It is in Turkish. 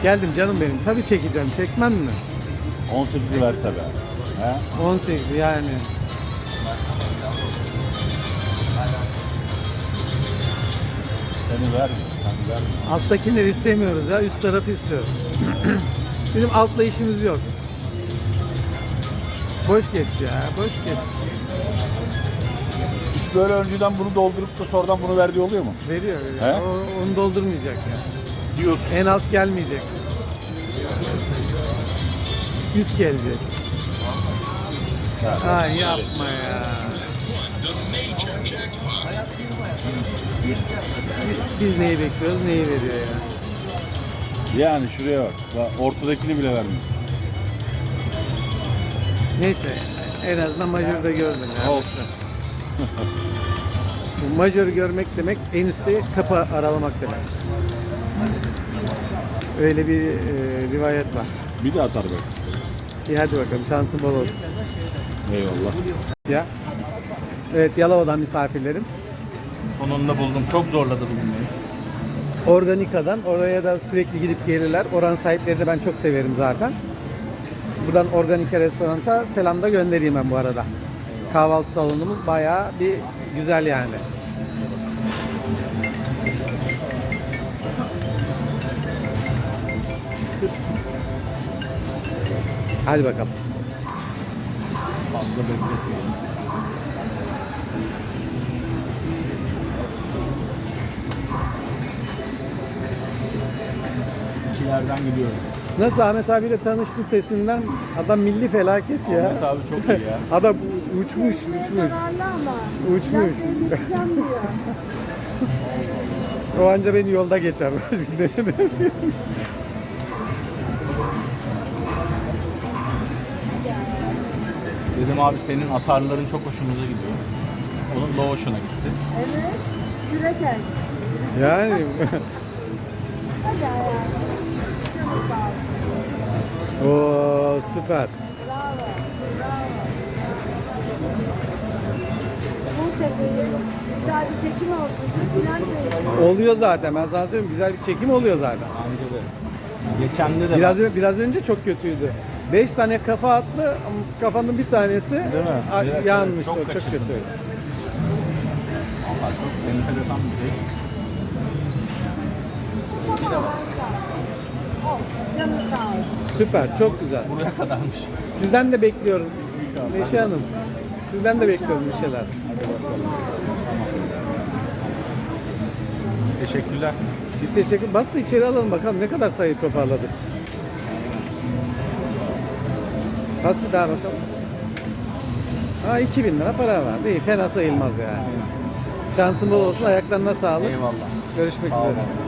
Geldim canım benim. Tabii çekeceğim. Çekmem mi? 18'i verse be. He? 18 yani. Seni verme. Sen verme. Alttakileri istemiyoruz ya. Üst tarafı istiyoruz. Bizim altla işimiz yok. Boş geç ya. Boş geç. Hiç böyle önceden bunu doldurup da sonradan bunu verdiği oluyor mu? Veriyor. He? Onu doldurmayacak ya. Diyorsun. En alt gelmeyecek. Üst gelecek. Ay yapma ya. Biz neyi bekliyoruz, neyi veriyor ya. Yani şuraya bak. Bak, ortadakini bile vermiyor. Neyse, en azından majörde gördüm ya. Olsun. Bu majörü görmek demek, en üstte kapı aralamak demek. Öyle bir rivayet var. Bir de atar bak. İyi hadi bakalım, şansın bol olsun. Eyvallah. Ya. Evet, Yalova'dan misafirlerim. Sonunda buldum. Çok zorladı bugün beni. Organika'dan oraya da sürekli gidip gelirler. Oranın sahipleri de ben çok severim zaten. Buradan Organika restoranta selam da göndereyim ben bu arada. Kahvaltı salonumuz bayağı bir güzel yani. Hadi bakalım. Fazla bekletmeyelim. İkilerden gidiyorum. Nasıl Ahmet abiyle tanıştın sesinden? Adam milli felaket ya. Ahmet abi çok iyi ya. Adam uçmuş. Zararlı ama. Uçmuş. Ben seni geçeceğim diyor. O anca beni yolda geçer. Dedim abi senin atarların çok hoşumuza gidiyor. Onun da hoşuna gitti. Evet. Kürekel. Yani Hadi hayatım. Canı sağ olsun. o süper. Bravo. Bravo. Bu tepeyi güzel bir çekim olsun. Siz Bülent Bey. Oluyor zaten. Ben sana söyleyeyim güzel bir çekim oluyor zaten. Bence de. Geçende de Biraz önce çok kötüydü. 5 tane kafa attı ama kafanın bir tanesi Değil mi? Evet, yanmıştı. evet, Çok çok kötü. Valla çok enteresan bir şey. Olsun. Canı sağ olsun. Süper. Çok güzel. Buraya kadarmış. Sizden de bekliyoruz. Neşe Hanım. Sizden de bekliyoruz bir şeyler. Teşekkürler. Biz teşekkür. Bas da içeri alalım bakalım ne kadar sayı toparladık. Bas bir daha bakalım. Ha 2000 lira para var. İyi fena sayılmaz yani. Şansın bol olsun. Ayaklarına sağlık. Eyvallah. Görüşmek Sağ olun. üzere.